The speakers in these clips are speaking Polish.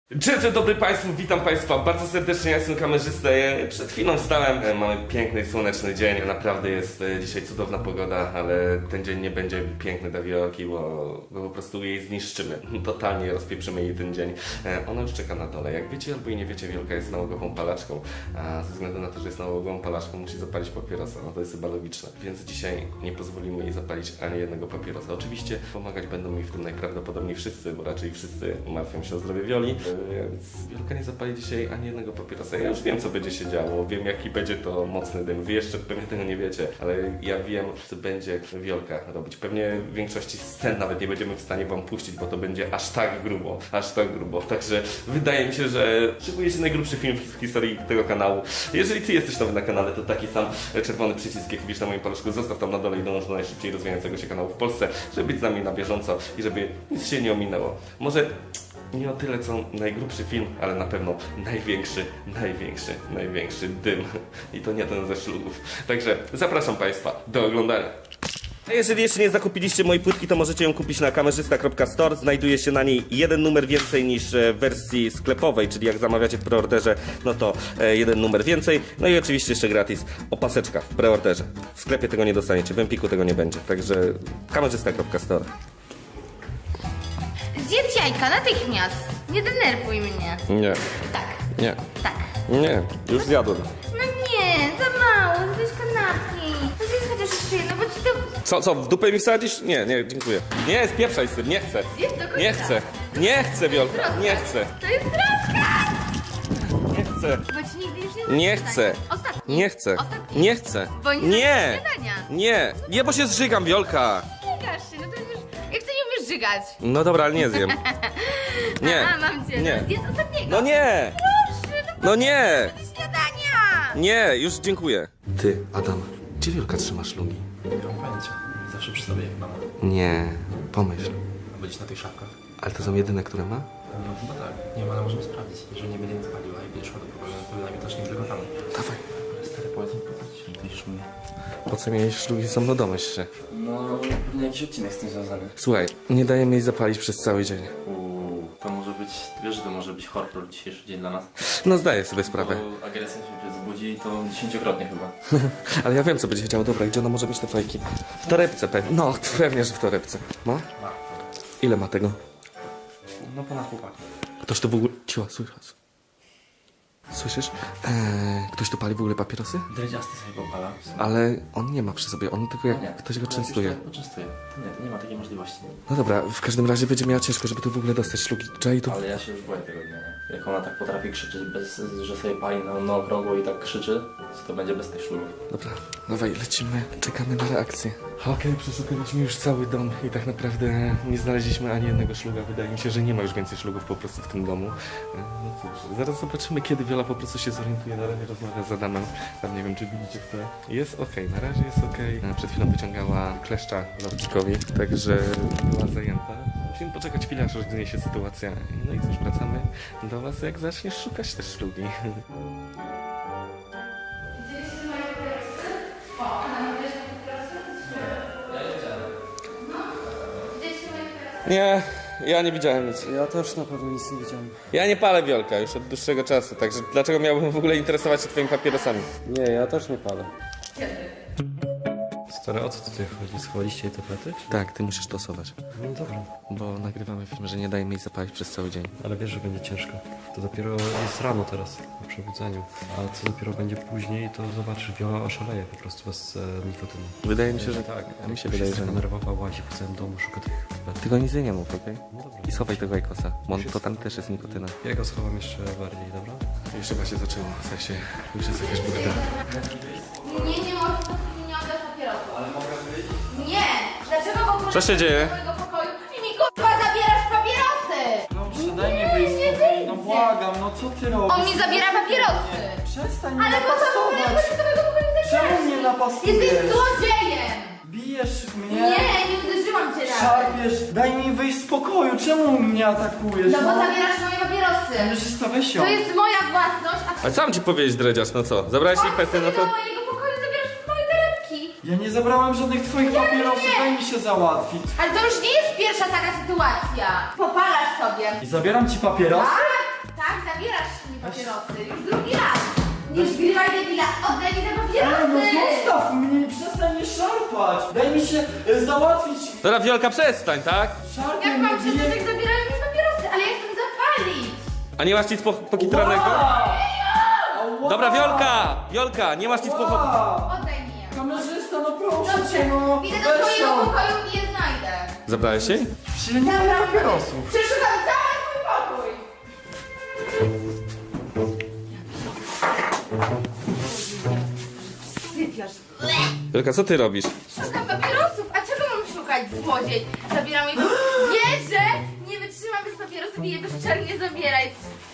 Dzień dobry Państwu, witam Państwa bardzo serdecznie, ja jestem kamerzysta. Przed chwilą wstałem, mamy piękny, słoneczny dzień. Naprawdę jest dzisiaj cudowna pogoda, ale ten dzień nie będzie piękny dla Wiolki, bo po prostu jej zniszczymy. Totalnie rozpieprzymy jej ten dzień. Ona już czeka na dole. Jak wiecie albo i nie wiecie, Wiolka jest nałogową palaczką, a ze względu na to, że jest nałogową palaczką, musi zapalić papierosa. No to jest chyba logiczne. Więc dzisiaj nie pozwolimy jej zapalić ani jednego papierosa. Oczywiście pomagać będą mi w tym najprawdopodobniej wszyscy, bo raczej wszyscy martwią się o zdrowie Wioli. Więc Wiolka nie zapali dzisiaj ani jednego papierosa. Ja już wiem, co będzie się działo, wiem, jaki będzie to mocny dym. Wy jeszcze pewnie tego nie wiecie, ale ja wiem, co będzie Wiolka robić. Pewnie w większości scen nawet nie będziemy w stanie wam puścić, bo to będzie aż tak grubo, aż tak grubo. Także wydaje mi się, że szykuje się najgrubszy film w historii tego kanału. Jeżeli ty jesteś nowy na kanale, to taki sam czerwony przycisk, jaki widzisz na moim paluszku, zostaw tam na dole i dąż do najszybciej rozwijającego się kanału w Polsce, żeby być z nami na bieżąco i żeby nic się nie ominęło. Może nie o tyle co najgrubszy film, ale na pewno największy dym. I to nie ten ze szlugów. Także zapraszam Państwa do oglądania. A jeżeli jeszcze nie zakupiliście mojej płytki, to możecie ją kupić na kamerzysta.store. Znajduje się na niej jeden numer więcej niż w wersji sklepowej, czyli jak zamawiacie w preorderze, no to jeden numer więcej. No i oczywiście jeszcze gratis opaseczka w preorderze. W sklepie tego nie dostaniecie, w Empiku tego nie będzie. Także kamerzysta.store. Zjedz jajka natychmiast. Nie denerwuj mnie. Nie, Tak, nie, tak. nie, już zjadłem. No nie, za mało, zjedz kanapki. No zjedz chociaż jeszcze jedno, bo ci to... Co, w dupę mi wsadzisz? Nie, dziękuję. Nie, spieprzaj z tym, nie chcę. Zjedz do końca. Nie chcę, Wiolka, nie chcę. To jest troska! Nie chcę. Bo ci nigdy już nie Nie dostanie. chcę. Ostatni. Nie chcę. Ostatni. Nie chcę. Bo nie Nie. zrobisz śniadania. Nie, bo się zżygam, Wiolka. Żygasz się, no to już... Jak ty nie umiesz żygać? No dobra, ale nie zjem. Nie. A, mam cię. Nie. No, zjedz ostatniego. No nie. Proszę, No nie. do śniadania. Nie, już dziękuję. Ty, Adam, gdzie Wiolka trzyma szlugi? Nie mam pojęcia. Zawsze przy sobie jak mama. Nie, pomyśl. A będziesz na tych szafkach? Ale to są jedyne, które ma? No chyba tak. Nie ma, ale możemy sprawdzić. Jeżeli nie będzie nic paliła i będziesz szła do pokoju, to najwidoczniej wygotamy. Dawaj. Ale stary, powiedz mi, po co ci myślisz mnie? Po co miałeś szlugi ze mną, domyśl się. No, pewnie jakiś odcinek z tym związany. Słuchaj, nie dajemy jej zapalić przez cały dzień. To może być, wiesz, że to może być horror dzisiejszy dzień dla nas. No zdaję sobie sprawę. Bo agresja się wzbudzi i to 10-krotnie chyba. Ale ja wiem, co będzie się działo. Dobra, gdzie ona może mieć te fajki? W torebce pewnie. No, pewnie, że w torebce. Ma? Ma. Ile ma tego? No ponad chłopaki. Ktoś tu w ogóle... Ciła, słyszysz? Ktoś tu pali w ogóle papierosy? Dredziasty sobie popala. Ale on nie ma przy sobie, on tylko jak ktoś go częstuje. Poczęstuje. To nie ma takiej możliwości. No dobra, w każdym razie będzie miała ciężko, żeby tu w ogóle dostać szlugi. Jay tu... Ale ja się już boję tego dnia, nie? Jak ona tak potrafi krzyczeć, bez, że sobie pali na okrągło i tak krzyczy, to będzie bez tych szlugów. Dobra, dawaj, lecimy, czekamy na reakcję. Okej, przeszukaliśmy już cały dom i tak naprawdę nie znaleźliśmy ani jednego szluga. Wydaje mi się, że nie ma już więcej szlugów po prostu w tym domu. No cóż, zaraz zobaczymy, kiedy Wiola po prostu się zorientuje. Na razie rozmawia z Adamem. Tam nie wiem, czy widzicie w tle. Jest okej, na razie jest okej. Przed chwilą wyciągała kleszcza Lordzikowi, także była zajęta. Musimy poczekać chwilę, aż rozwinie się sytuacja. No i cóż, wracamy do was, jak zaczniesz szukać te szlugi. Nie, ja nie widziałem nic. Ja też na pewno nic nie widziałem. Ja nie palę, Wiolka, już od dłuższego czasu, także dlaczego miałbym w ogóle interesować się twoimi papierosami? Nie, ja też nie palę. Stary, o co tutaj chodzi? Schowaliście jej tablety? Tak, ty musisz tosować, No dobra, bo nagrywamy film, że nie dajemy jej zapalić przez cały dzień. ale wiesz, że będzie ciężko. To dopiero jest rano teraz, po przebudzeniu. A co dopiero będzie później, to zobaczysz, Wiola oszaleje po prostu bez nikotyny. Wydaje mi się, że tak. A mi się Już wydaje, jest że taka nie. nerwowa, łazi po całym domu, szuka tych tabletek. Tylko nic jej nie mów, okej? No dobra. I schowaj tego jajkosa, bo on, to tam też jest nikotyna. Ja go schowam jeszcze bardziej, dobra? Już chyba się zaczęło, w sensie już jest jakaś burda. Nie możesz dopóki nie oddasz papierosów. Ale mogę wyjść? Nie! Dlaczego w ogóle... Co się dzieje? do mojego pokoju i mi kurwa zabierasz papierosy! No daj mi wyjść nie wyjdzie. No błagam, no co ty robisz? On mi zabiera papierosy! Przestań mnie Ale po co w ogóle napastować! wchodzisz do mojego pokoju i Czemu zabierasz? mnie napastujesz? Jesteś złodziejem! Bijesz mnie? Nie uderzyłam cię nawet. Szarpiesz! Daj mi wyjść z pokoju! Czemu mnie atakujesz? No bo zabierasz moje papierosy. Kamerzysta, weź ją. To jest moja własność, a ty A co mam ci powiedzieć, dredziarz, no co? Zabrałeś jej pety, no to... do mojego pokoju zabierasz moje torebki. Ja nie zabrałem żadnych twoich papierosów, nie. daj mi się załatwić. Ale to już nie jest pierwsza taka sytuacja. Popalasz sobie. I zabieram ci papieros? Tak? zabierasz mi papierosy. Już drugi raz. Nie zgrywaj debila, oddaj mi te papierosy. No zostaw mnie, przestań mnie szarpać. Daj mi się załatwić. Dobra, Wiolka, przestań, tak? Szarpie Jak mnie, mam przestać, jak zabierają mi papierosy? Ale ja chcę zapalić. A nie masz nic pokitranego? Dobra, Wiolka, nie masz nic Oddaj mi je. Kamerzysta, no proszę Dobrze, cię, no. idę do Weź twojego ją. pokoju i je znajdę. Zabrałeś jej? Przecież nie mam papierosów. Przeszukam cały twój pokój. Sypiasz. Wiolka, co ty robisz? Szukam papierosów, a czego mam szukać, złodziej? Zabieram ich. Wiesz, że nie wytrzymam bez papierosów i je bezczelnie zabierać.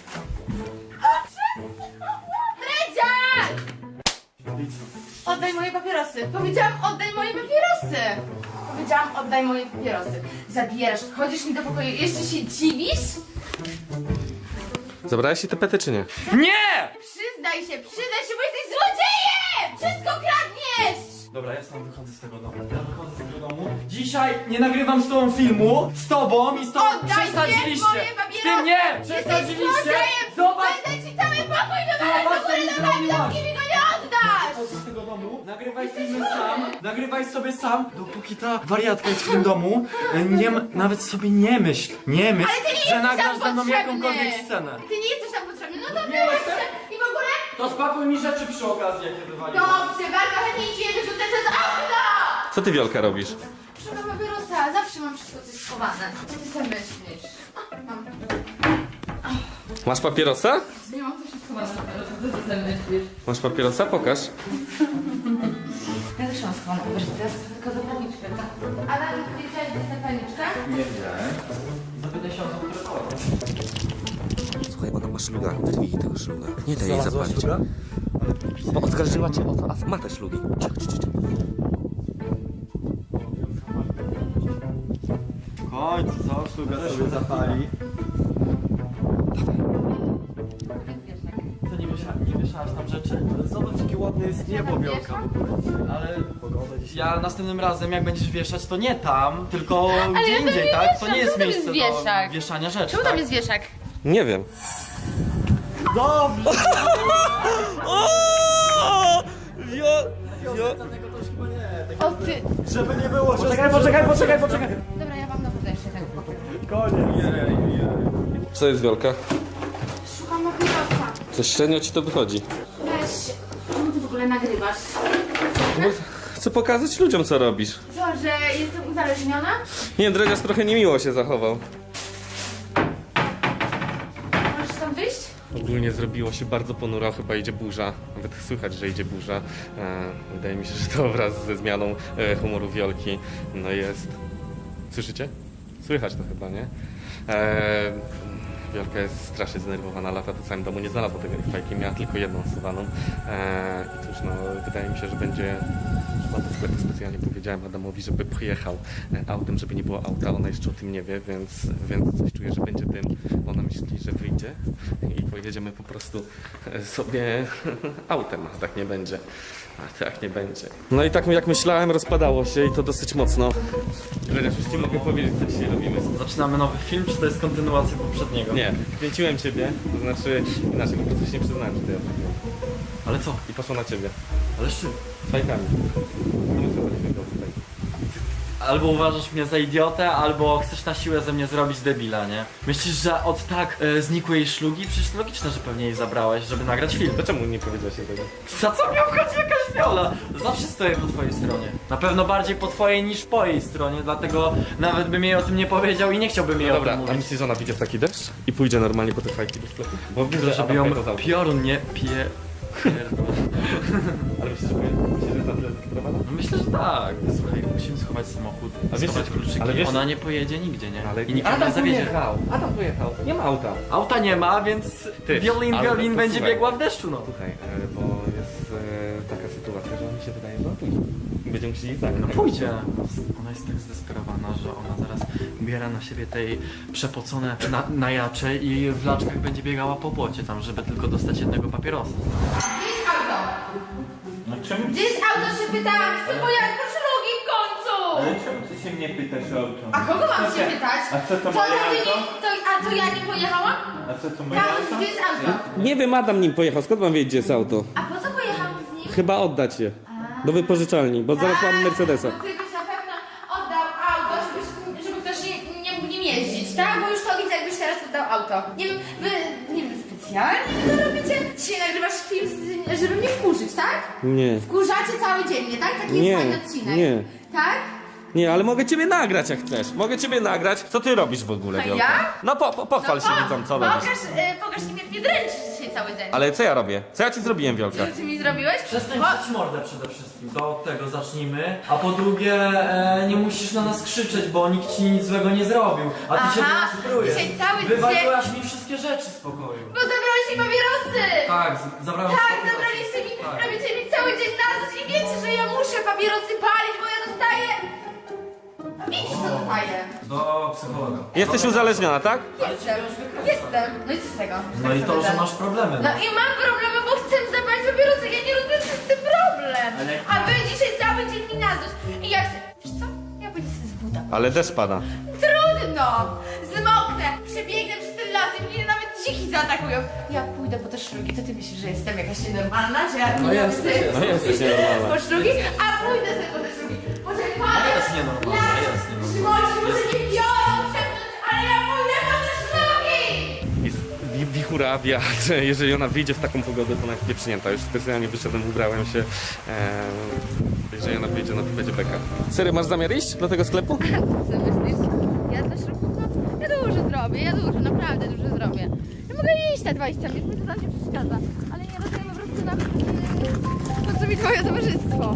Dredziarz! Oddaj moje papierosy. Powiedziałam, oddaj moje papierosy. Powiedziałam, oddaj moje papierosy. Zabierasz, wchodzisz mi do pokoju i jeszcze się dziwisz? Zabrałeś jej te pety, czy nie? Nie! Przyznaj się, bo jesteś złodziejem! Wszystko kradniesz! Dobra, ja sam wychodzę z tego domu. Ja wychodzę z tego domu. Dzisiaj nie nagrywam z tobą filmu. Z tobą i z tobą. Oddaj mi moje papierosy! Z tym nie! Jesteś Przesadziliście! złodziejem! Zobacz! Będę ci cały pokój wywalać do góry nogami, dopóki mi go nie oddasz! Chodź z tego domu, nagrywaj filmy sam, nagrywaj sobie sam, dopóki ta wariatka jest w tym domu, nie, nawet sobie nie myśl, Ale ty nie że jesteś nagrasz tam ze mną potrzebny! jakąkolwiek scenę. Ty nie jesteś tam potrzebny, no to Nie wyłącz jestem. się i w ogóle... To spakuj mi rzeczy przy okazji, jakie wywaliłem. Dobrze, bardzo chętnie ci je wyrzucę przez okno! Co ty, Wiolka, robisz? Szukam papierosa, zawsze mam wszystko coś schowane. Co ty sobie myślisz? Mam. Masz papierosa? Nie mam coś schowane papierosa, co ty sobie myślisz? Masz papierosa? Pokaż. Ja też mam schowaną papierosa, teraz tylko zapalniczkę, tak? Ale wiedziałeś, gdzie jest zapalniczka? Nie wiedziałem. Zapytaj się o to, które kolor. Słuchaj, ona ma szluga. Wyrwij tego szluga. Nie daj jej Znalazła zapalić. szluga? Bo oskarżyła cię o to, a ma te szlugi. Cicho. W końcu, co? Szluga sobie zapali. Co, nie wieszałaś tam rzeczy? Ale zobacz, jakie ładne jest niebo, Wielka. Ale ja następnym razem, jak będziesz wieszać, to nie tam, tylko gdzie ja tam indziej, nie tak? To wieszam. nie jest Czemu tam miejsce jest do wieszak? wieszania rzeczy, Czemu tak? tam jest wieszak? Nie wiem. Dobrze! Dlatego to już chyba nie. O ty! Żeby nie było, że... Poczekaj! Dobra, ja wam dowodzę jeszcze tego pokoju. Koniec. Co jest, Wiolka? Szukam papierosa. Coś średnio ci to wychodzi. Weź, czemu ty w ogóle nagrywasz? Bo chcę pokazać ludziom, co robisz. Co, że jestem uzależniona? Nie, Dredziarz trochę niemiło się zachował. Możesz tam wyjść? Ogólnie zrobiło się bardzo ponuro, chyba idzie burza. Nawet słychać, że idzie burza. Wydaje mi się, że to wraz ze zmianą humoru Wiolki no jest... Słyszycie? Słychać to chyba, nie? Wiolka jest strasznie zdenerwowana, lata po całym domu, nie znalazła tego fajki, miała tylko jedną schowaną. I cóż, no, wydaje mi się, że będzie... Chyba do sklepu specjalnie powiedziałem Adamowi, żeby pojechał autem, żeby nie było auta, ona jeszcze o tym nie wie, więc coś czuję, że będzie dym. Ona myśli, że wyjdzie i pojedziemy po prostu sobie autem, a tak nie będzie. A tak nie będzie. No i tak jak myślałem, rozpadało się i to dosyć mocno. Dredziarz, już ci mogę powiedzieć, co dzisiaj robimy. Zaczynamy nowy film, czy to jest kontynuacja poprzedniego? Nie, kręciłem ciebie, to znaczy inaczej, po prostu się nie przyznałem, że to ja zrobiłem. Ale co? I poszło na ciebie. Ale z czym? Z fajkami. To my sobie będziemy go tutaj. Albo uważasz mnie za idiotę, albo chcesz na siłę ze mnie zrobić debila, nie? Myślisz, że od tak znikły jej szlugi? Przecież to logiczne, że pewnie jej zabrałeś, żeby nagrać film. To czemu nie powiedziałeś jej tego? Za co mnie obchodzi jakaś Viola? Zawsze stoję po twojej stronie. Na pewno bardziej po twojej niż po jej stronie, dlatego nawet bym jej o tym nie powiedział i nie chciałbym jej No o dobra, tym a mówić. myślisz, że ona wyjdzie w taki deszcz i pójdzie normalnie po te fajki do sklepu? Bo widzę, że Żeby Adam ją pojechał z autem. piorun nie pierdol. Ale myślisz, że jest na tyle zdesperowana? No myślę, że tak. Słuchaj, musimy schować samochód, A wiesz, schować kluczyki. ale wiesz- Ona nie pojedzie nigdzie, nie? Ale I nikt ją nie zawiedzie. Adam pojechał. Nie ma auta. Auta nie ma, więc Ty, Violin ale to będzie słuchaj. biegła w deszczu, no. Słuchaj, bo jest taka sytuacja, że mi się wydaje, że on pójdzie. Będziemy musieli zagrać. No pójdzie. Ona jest tak zdesperowana, że ona zaraz biera na siebie tej przepocone najacze i w laczkach będzie biegała po płocie tam, żeby tylko dostać jednego papierosa. Gdzie jest auto? No czemu? Gdzie jest auto, się pytałam? Chcę pojechać po szlugi w końcu! czemu ty się mnie pytasz o auto? A kogo mam się pytać? A co to moje auto? A to ja nie pojechałam? A co to moje Tam, auto? gdzie jest auto? Nie wiem, Adam nim pojechał, skąd mam wiedzieć, gdzie jest auto? A po co pojechałam z nim? Chyba oddać je. Do wypożyczalni, bo zaraz mam Mercedesa. Bo ty byś na pewno oddał auto, żeby ktoś nie mógł nim jeździć, tak? Bo już to widzę, jakbyś teraz oddał auto. Nie wiem, wy, nie wiem, specjalnie to robicie? Dzisiaj nagrywasz film, żeby mnie wkurzyć, tak? Nie. Wkurzacie cały dzień mnie, tak? Taki Nie, jest fajny odcinek. nie. Tak? Nie, ale mogę ciebie nagrać jak chcesz. Mogę ciebie nagrać. Co ty robisz w ogóle, A Wiolka? ja? No pochwal się widzom, co robisz. Pokaż mi, jak mnie dręczysz dzisiaj cały dzień. Ale co ja robię? Co ja ci zrobiłem, Wiolka? Co ty mi zrobiłeś? Przestań Bo- drzeć mordę przede wszystkim, to od tego zacznijmy. A po drugie, nie musisz na nas krzyczeć, bo nikt ci nic złego nie zrobił. A ty się Aha, do nas zbrujesz. dzisiaj cały dzień- Wywaliłaś mi wszystkie rzeczy z pokoju. Bo zabrałeś mi papierosy! Tak, zabrałem Tak, papierosy. zabraliście mi, Tak. robicie mi cały dzień na noc i wiecie, że ja muszę papierosy palić, bo ja dostaję... A wiecie, co dostaję? Do psychologa. Jesteś uzależniona, tak? Jestem. No i co z tego? No i to, że masz problemy. No i mam problemy, bo chcę zapalić papierosy, ja nie rozumiem, co jest ten problem. Ale- A wy dzisiaj cały dzień mi na noc i ja chcę... Wiesz co? Ja pójdę sobie z buta. Ale deszcz pada. Trudno! Zmoknę, przebiegnę przez ten las i mnie nawet dziki zaatakują. Ja pójdę po te szlugi, to ty myślisz, że jestem jakaś nienormalna, że ja No nie jesteś, chcę no jesteś nienormalna. po szlugi, a pójdę sobie po te szlugi. Może No jest nienormalna, jest nienormalna. Szymoni, może nie biorą przepnąć, ale ja pójdę po te szlugi! Jest wichura, wiatr. Jeżeli ona wyjdzie w taką pogodę, to ona jest pieprznięta. Już specjalnie wyszedłem, ubrałem się. Jeżeli ona wyjdzie, no to będzie beka. Serio, masz zamiar iść do tego sklepu? Co myślisz? Ja też ja dużo zrobię, naprawdę dużo zrobię. Ja mogę iść te 20 minut, mi to tam nie przeszkadza, ale nie rozumiem po prostu po co mi twoje towarzystwo.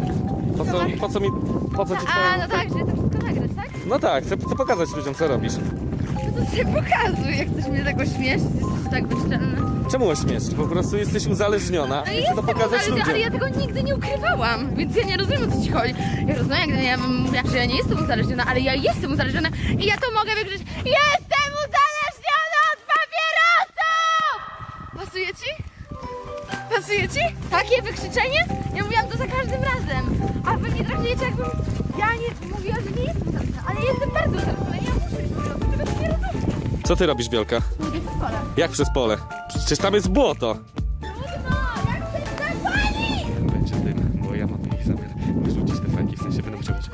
Po co ci A, no tak, że to wszystko nagrać, tak? No tak, chcę pokazać ludziom, co robisz. No to sobie pokazuj, jak chcesz mnie tak ośmieszyć, jesteś tak bezczelny. Czemu ośmieszyć? Po prostu jesteś uzależniona No i i chcę to jestem pokazać uzależniona, ludziom. ale ja tego nigdy nie ukrywałam, więc ja nie rozumiem, o co ci chodzi. Ja rozumiem, jak ja mówię, że ja nie jestem uzależniona, ale ja jestem uzależniona i ja to mogę wykrzyczeć. Jestem uzależniona od papierosów! Pasuje ci? Pasuje ci? Takie wykrzyczenie? Ja mówiłam to za każdym razem, a wy mnie traktujecie, jakbym ja nie mówiła, że nie jestem uzależniona, ale jestem bardzo uzależniona i ja muszę mieć papierosy, tego ty nie rozumiesz. Co ty robisz, Wielka? Mówię w szkole. Jak przez pole? Przecież tam jest błoto. Trudno, jak chcesz zapalić? Będzie dym, bo ja mam ich zamiar wyrzucić te fajki, w sensie będę musiał być.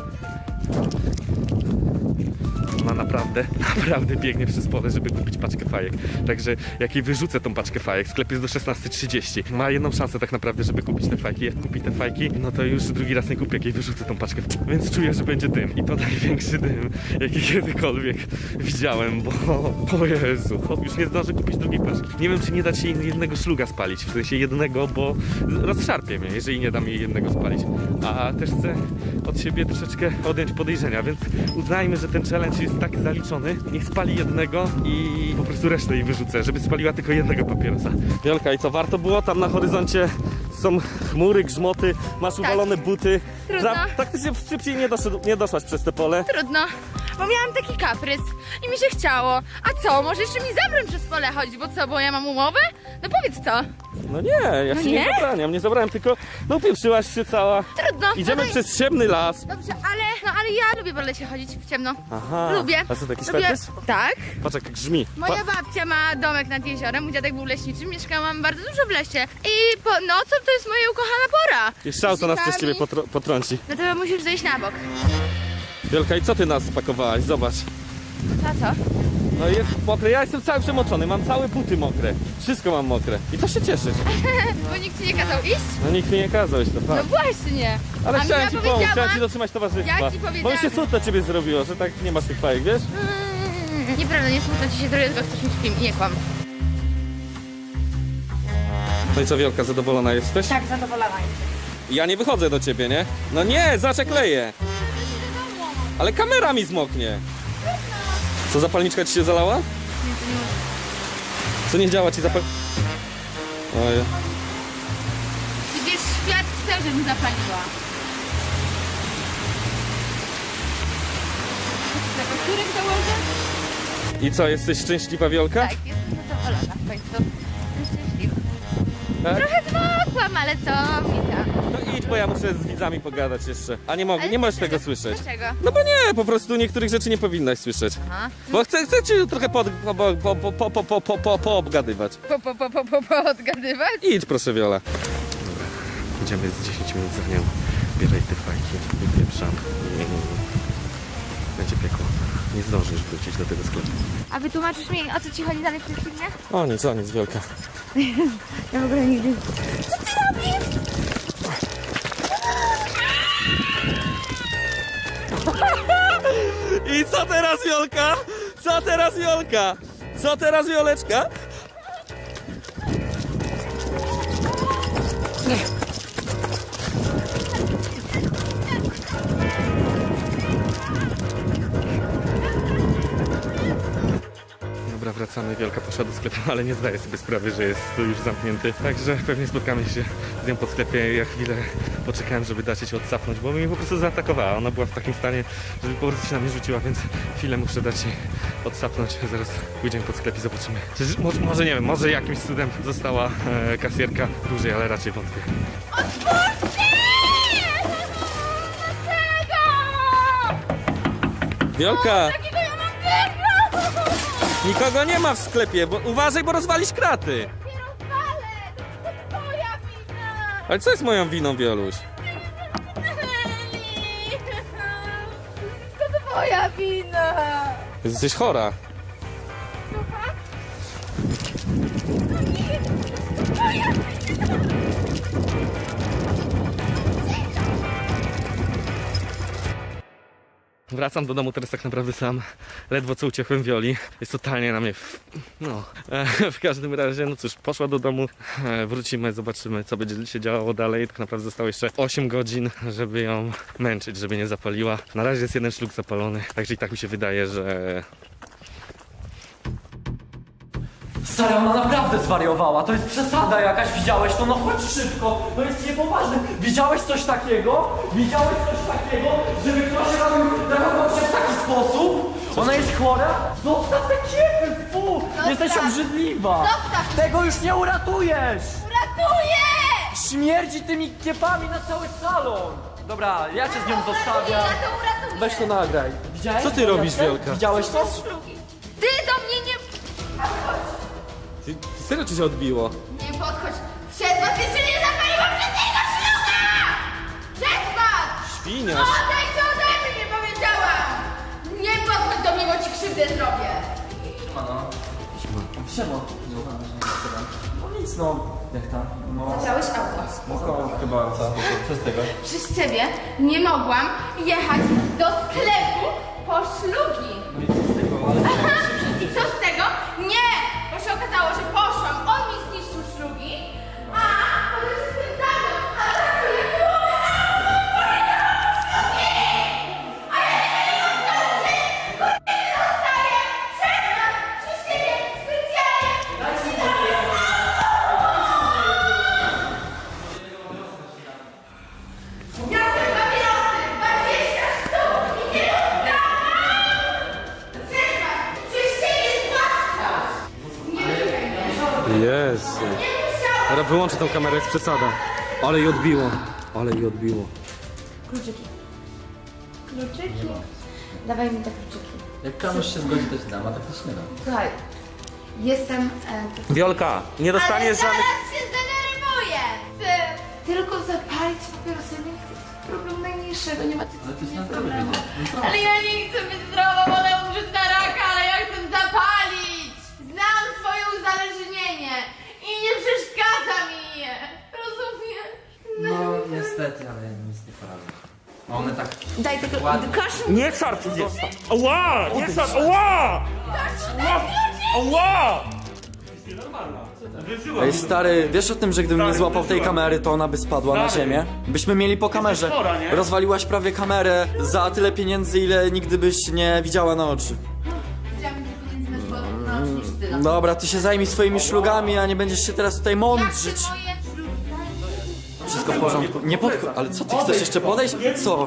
Ona naprawdę biegnie przez pole, żeby kupić paczkę fajek. Także jak jej wyrzucę tą paczkę fajek, sklep jest do 16:30. Ma jedną szansę tak naprawdę, żeby kupić te fajki. Jak kupi te fajki, no to już drugi raz nie kupię, jak jej wyrzucę tą paczkę. Więc czuję, że będzie dym. I to największy dym, jaki kiedykolwiek widziałem, bo o Jezu, chłop już nie zdąży kupić drugiej paczki. Nie wiem, czy nie dać jej jednego szluga spalić, w sensie jednego, bo rozszarpie mnie, jeżeli nie dam jej jednego spalić. A też chcę od siebie troszeczkę odjąć podejrzenia, więc uznajmy, że ten challenge jest tak zaliczony. Niech spali jednego i po prostu resztę jej wyrzucę, żeby spaliła tylko jednego papierosa. Wiolka, i co, warto było? Tam na horyzoncie są chmury, grzmoty, masz uwalone buty. Trudno. Praktycznie szybciej nie doszłaś przez te pole. Trudno, bo miałam taki kaprys i mi się chciało. A co, może jeszcze mi zabrać przez pole chodzić, bo co, bo ja mam umowę? No powiedz to. No nie, ja No ci nie nie? zabraniam, nie zabrałem, tylko no upieprzyłaś się cała. Trudno. Idziemy no to- przez ciemny las. Dobrze, ale ja lubię po lesie chodzić w ciemno. Aha. Lubię. A co, taki Lubię... fetysz? Tak. Patrz jak grzmi. Moja babcia ma domek nad jeziorem, mój dziadek był leśniczym, mieszkałam bardzo dużo w lesie. I po nocą to jest moja ukochana pora. Jeszcze auto nas przez ciebie Zikami. potrąci. No to musisz zejść na bok. Wielka, i co ty nas spakowałaś? Zobacz. A co? No jest mokre, ja jestem cały przemoczony, mam całe buty mokre. Wszystko mam mokre. I co się cieszysz? Bo nikt ci nie kazał iść? No nikt mi nie kazał, to No fakt. właśnie. Ale A chciałem ja ci pomóc, powiedziałam- chciałem ci dotrzymać towarzystwa. Ja ci Bo mi się powiedziałam- smutno ciebie zrobiło, że tak nie masz tych fajek, wiesz? Nieprawda, nie smutno ci się zrobię, tylko chcesz mieć film i nie kłam. No i co, Wielka, zadowolona jesteś? Tak, zadowolona Ja nie wychodzę do ciebie, nie? No nie, zaczekleję. Ale kamera mi zmoknie. Co, zapalniczka ci się zalała? Co, nie działa ci Oj. Wiesz, świat chce, żebym zapaliła. Do których dołożę? I co, jesteś szczęśliwa, Wiolka? Tak, jestem zadowolona w końcu. Jestem szczęśliwa. Tak? Trochę zmokłam, ale co mi tam? No idź, bo ja muszę z widzami pogadać jeszcze. A nie mogę, Ale nie możesz dlaczego? tego słyszeć. Dlaczego? No bo nie, po prostu niektórych rzeczy nie powinnaś słyszeć. Aha. Bo chcę cię trochę poobgadywać. Odgadywać? Idź proszę, Wiola. Dobra, idziemy z 10 minut za nią. Bieraj te fajki, wypieprzam. Będzie piekło. Nie zdążysz wrócić do tego sklepu. A wytłumaczysz mi, o co ci chodzi dalej w tym filmie? O nic, Wielka. Ja w ogóle nigdy... I co teraz, Wiolka? Co teraz, Wiolka? Co teraz, Wioleczka? Dobra, wracamy. Wielka poszła do sklepu, ale nie zdaje sobie sprawy, że jest tu już zamknięty. Także pewnie spotkamy się z nią po sklepie. Ja chwilę poczekałem, żeby dać się odsapnąć, bo mnie po prostu zaatakowała. Ona była w takim stanie, żeby po prostu się na mnie rzuciła, więc chwilę muszę dać jej odsapnąć. Zaraz pójdziemy pod sklep i zobaczymy. Może nie wiem, może jakimś cudem została kasjerka dłużej, ale raczej wątpię. Wiolka! Nikogo nie ma w sklepie, bo uważaj, bo rozwalisz kraty. Ale co jest moją winą, Wioluś? To twoja wina! Jesteś chora. Wracam do domu teraz tak naprawdę sam. Ledwo co uciekłem Wioli. Jest totalnie na mnie w każdym razie, no cóż, poszła do domu. Wrócimy, zobaczymy, co będzie się działo dalej. Tak naprawdę zostało jeszcze 8 godzin, żeby ją męczyć, żeby nie zapaliła. Na razie jest jeden szluk zapalony, także i tak mi się wydaje, że... Stara, ona naprawdę zwariowała, to jest przesada jakaś, widziałeś to? No chodź szybko, to jest niepoważne. Widziałeś coś takiego? Widziałeś coś takiego, żeby ktoś zachował się w taki sposób? Ona jest chora? Zostaw te kiepy, fu! Jesteś obrzydliwa! Zostaw! Tego już nie uratujesz! Uratuję! Śmierdzi tymi kiepami na cały salon! Dobra, ja cię z nią zostawiam. Ja to uratuję! Weź to nagraj. Widziałeś? Co ty robisz, Wielka? Widziałeś to? Ty do mnie nie... Ty serio ci się odbiło? Nie podchodź! Przez was jeszcze nie zapaliłam żadnego śluga! Przez was! Świniasz. Odejdź ode mnie, powiedziałam! Nie podchodź do mnie, bo ci krzywdę zrobię! Siema. No nic no. Jak tam? No. Zabrałeś auto. Spoko, chyba co z tego? Przez ciebie nie mogłam jechać do sklepu po szlugi. Aha, i co z tego? Nie! Bo się okazało, że poszłam, on mi zniszczył szlugi, a potem się z tym zabrał, a tak to nie było! A ja nie wiem, co ci! Kobiety dostaję! Przed przez ciebie specjalnie! Ja chcę papierosy! 20 sztuk! I nie oddam! Przerwa! Przez ciebie zwłaszcza! Nie musiałem! Jezu. Nie musiałem! Dobra, wyłączę tą kamerę, jest przesada. Ale jej odbiło. Ale jej odbiło. Kluczyki. Kluczyki? Dawaj mi te kluczyki. Jak kamuś się zgodzi, to ci dam, a tak też nie dam. Słuchaj, jestem... Wiolka, nie Ale dostaniesz zaraz żadnych... się zdenerwuję! Ty tylko zapalić papierosy, nie chcę. Problem najmniejszego, nie ma ty Ale ty się na zdrowie będzie. Ale ja nie chcę być zdrowa, wolę umrzeć na raka, ale ja chcę zapalić! Znam swoje uzależnienie i nie przeszkadza mi je! Rozumiesz? No niestety, ale nic nie poradzę. A one tak Daj tego... ładnie. Kosz Nie szarp! Ała! Nie szarp! Ała! Ała! Ej stary, wiesz o tym, że gdybym nie złapał tej kamery, to ona by spadła na ziemię? Byśmy mieli po kamerze. Rozwaliłaś prawie kamerę za tyle pieniędzy, ile nigdy byś nie widziała na oczy. Widziałam więcej pieniędzy na oczy niż ty. No. Dobra, ty się zajmij swoimi szlugami, a nie będziesz się teraz tutaj mądrzyć. Jak ty moje ślugi? Wszystko w porządku. Nie podchodź. Ale co, ty chcesz jeszcze podejść? Co?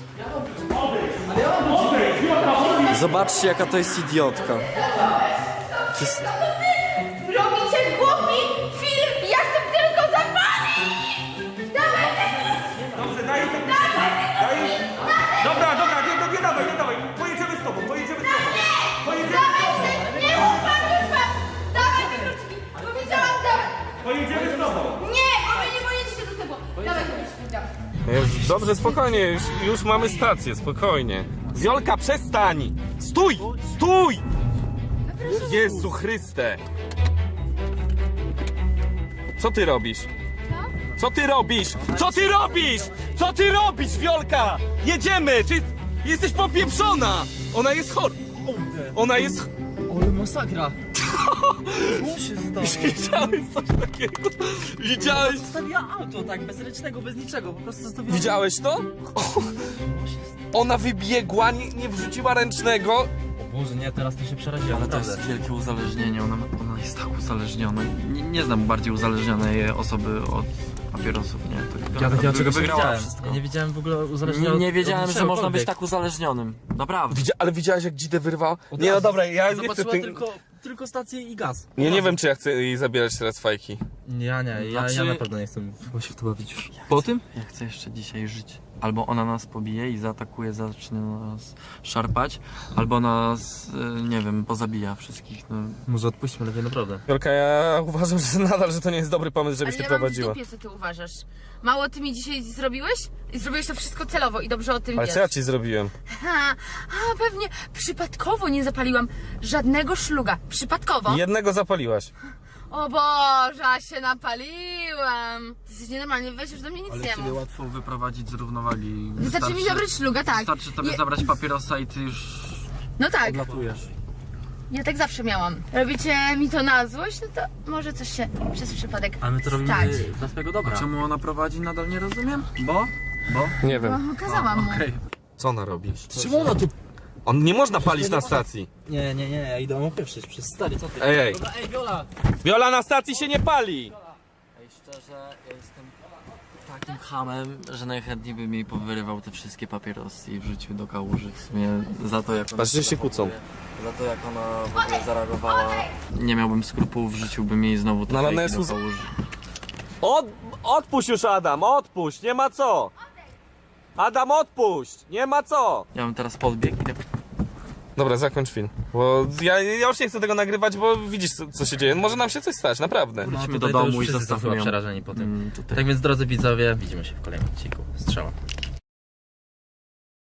Zobaczcie, jaka to jest idiotka. To jest... Robicie głupi film! Ja chcę tylko zapalić! Dawaj tego! Pojedziemy z tobą. Nie, bo wy nie pojedziecie do tego. Dawaj, chodź. Dobrze, spokojnie, już mamy stację, spokojnie. Wiolka, przestań! Stój! Stój! Jezu Chryste! Co ty robisz? Co ty robisz? Co ty robisz? Co ty robisz, Wiolka? Jedziemy! Ty jesteś popieprzona! Ona jest chora! Ona jest... Ale masakra. Widziałeś coś takiego? Widziałeś? Zostawiła auto tak, bez ręcznego, bez niczego, po prostu zostawiła... Widziałeś to? Ona wybiegła, nie wrzuciła ręcznego. O Boże, nie, teraz to się przeraziłem. Ale to jest wielkie uzależnienie, ona jest tak uzależniona. Nie znam bardziej uzależnionej osoby od papierosów, nie? To Ja czego wygrała wiedziałem. wszystko. Ja nie wiedziałem w ogóle uzależnienia. Nie wiedziałem, że można być czegokolwiek. tak uzależnionym. Naprawdę. Ale widziałeś, jak dzidę wyrwał? Nie, no dobra, ja nie chcę Zobaczyła tym... tylko stację i gaz. Nie wiem, czy ja chcę jej zabierać teraz fajki. Ja Znaczy- naprawdę nie chcę się w to bawić już. Po tym? Ja chcę jeszcze dzisiaj żyć. Albo ona nas pobije i zaatakuje, zacznie nas szarpać, albo nas, nie wiem, pozabija wszystkich. No. Może odpuśćmy lepiej, naprawdę. Wielka, ja uważam, że nadal, że to nie jest dobry pomysł, żebyś Ale ty ja mam w prowadziła. dupie, co ty uważasz. Mało ty mi dzisiaj zrobiłeś? I zrobiłeś to wszystko celowo i dobrze o tym Ale wiesz. co ja ci zrobiłem? Pewnie przypadkowo nie zapaliłam żadnego szluga. Przypadkowo? Jednego zapaliłaś. O Boże, a się napaliłam. Ty jesteś nienormalny, weź już do mnie nic Ale nie ciebie mów. łatwo wyprowadzić z równowagi. Wystarczy mi zabrać szluga, tak. Wystarczy tobie Nie- zabrać papierosa i ty już No tak, odlatujesz. ja tak zawsze miałam. Robicie mi to na złość, no to może coś się przez przypadek Ale my to robimy stać. dla swojego A dobra. czemu ona prowadzi, nadal nie rozumiem? Bo? Nie wiem. No, kazałam mu. Okej. Co ona robi? Czemu ona tu... On nie można palić na stacji. Nie, ja idę opieprzyć przez stary, co ty? Ej. Dobra, ej, Viola! Wiola, na stacji się nie pali! Ej, szczerze, ja jestem takim hamem, że najchętniej bym jej powyrywał te wszystkie papierosy i wrzucił do kałuży w sumie za to, jak ona Patrz, że się kłócą. Za to, jak ona w ogóle zareagowała. Nie miałbym skrupułów, wrzuciłbym jej znowu te No, ale ona fejki jest do kałuży. Odpuść już, Adam, odpuść, nie ma co! Adam, odpuść, nie ma co! Ja bym teraz podbiegł i tak... Dobra, zakończ film. Bo ja już nie chcę tego nagrywać, bo widzisz, co się dzieje. Może nam się coś stać, naprawdę. Wróćmy do domu i zostawmy ją. przerażeni po tym. Tutaj. Tak więc, drodzy widzowie, widzimy się w kolejnym odcinku. Strzała.